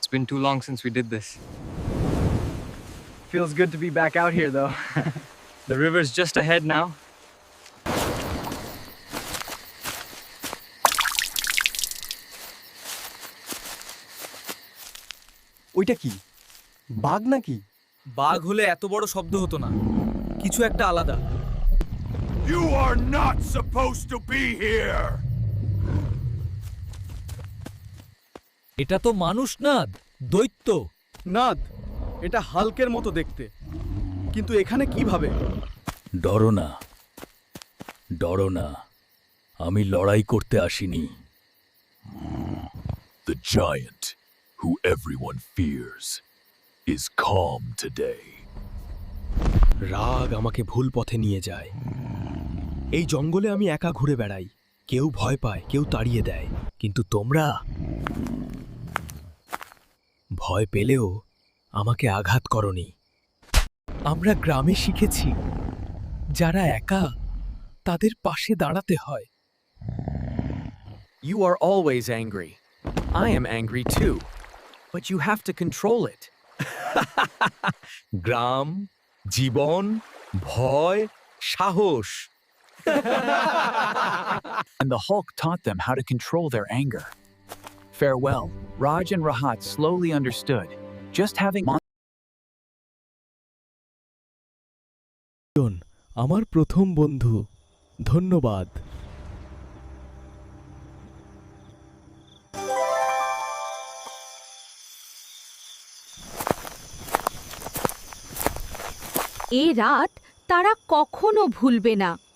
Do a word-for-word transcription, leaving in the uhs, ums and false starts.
It's been too long since we did this. Feels good to be back out here, though. The river's just ahead now. ওইটা কি বাঘ নাকি? বাঘ হলে এত বড় শব্দ হতো না, কিছু একটা আলাদা। You are not supposed to be here! এটা তো মানুষ না, দৈত্য। নাদ, এটা হাল্কের মতো দেখতে, কিন্তু এখানে কিভাবে? ডরো না, ডরো না, আমি লড়াই করতে আসিনি। The giant, who everyone fears, is calm today. রাগ আমাকে ভুল পথে নিয়ে যায়। এই জঙ্গলে আমি একা ঘুরে বেড়াই, কেউ ভয় পায়, কেউ তাড়িয়ে দেয়, কিন্তু তোমরা ভয় পেলেও আমাকে আঘাত করনি। আমরা গ্রামে শিখেছি, যারা একা তাদের পাশে দাঁড়াতে হয়। You are always angry. I am angry too. But you have to control it. গ্রাম, জীবন, ভয়, সাহস। And the Hulk taught them how to control their anger. Farewell, Raj and Rahat slowly understood. Just having আমার প্রথম বন্ধু, ধন্যবাদ। এ রাত তারা কখনো ভুলবে না।